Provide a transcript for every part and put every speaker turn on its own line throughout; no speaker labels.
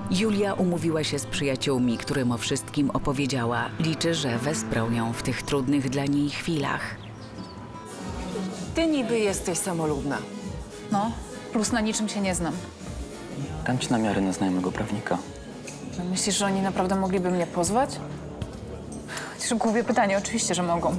Julia umówiła się z przyjaciółmi, którym o wszystkim opowiedziała. Liczy, że wesprą ją w tych trudnych dla niej chwilach.
Ty niby jesteś samolubna.
No, plus na niczym się nie znam.
Dam ci namiary na znajomego prawnika.
No, myślisz, że oni naprawdę mogliby mnie pozwać? Chociaż głupie pytanie, oczywiście, że mogą.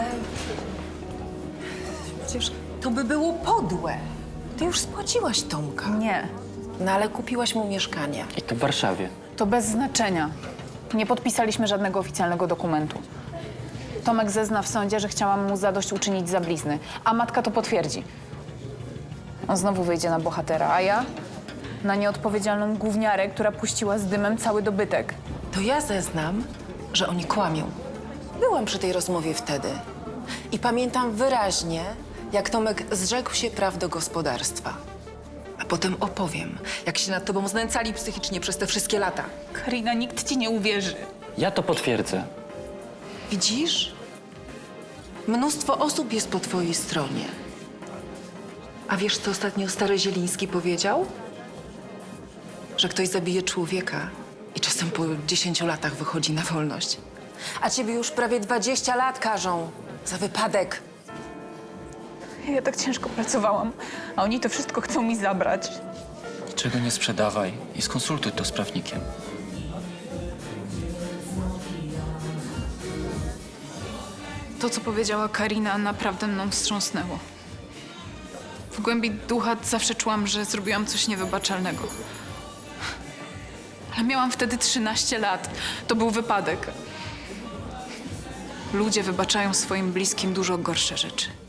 Przecież to by było podłe. Ty już spłaciłaś Tomka.
Nie,
No ale kupiłaś mu mieszkanie.
I to w Warszawie.
to bez znaczenia. Nie podpisaliśmy żadnego oficjalnego dokumentu. Tomek zezna w sądzie, że chciałam mu zadośćuczynić za blizny, a matka to potwierdzi. On znowu wyjdzie na bohatera, a ja na nieodpowiedzialną gówniarę, która puściła z dymem cały dobytek.
To ja zeznam, że oni kłamią. Byłam przy tej rozmowie wtedy. I pamiętam wyraźnie, jak Tomek zrzekł się praw do gospodarstwa. A potem opowiem, jak się nad tobą znęcali psychicznie przez te wszystkie lata.
Karina, nikt ci nie uwierzy.
Ja to potwierdzę.
Widzisz? Mnóstwo osób jest po twojej stronie. A wiesz, co ostatnio stary Zieliński powiedział? Że ktoś zabije człowieka i czasem po 10 latach wychodzi na wolność. A ciebie już prawie 20 lat karzą za wypadek.
Ja tak ciężko pracowałam, a oni to wszystko chcą mi zabrać.
Niczego nie sprzedawaj i skonsultuj to z prawnikiem.
To, co powiedziała Karina, naprawdę mną wstrząsnęło. W głębi ducha zawsze czułam, że zrobiłam coś niewybaczalnego. Ale miałam wtedy 13 lat. To był wypadek. Ludzie wybaczają swoim bliskim dużo gorsze rzeczy.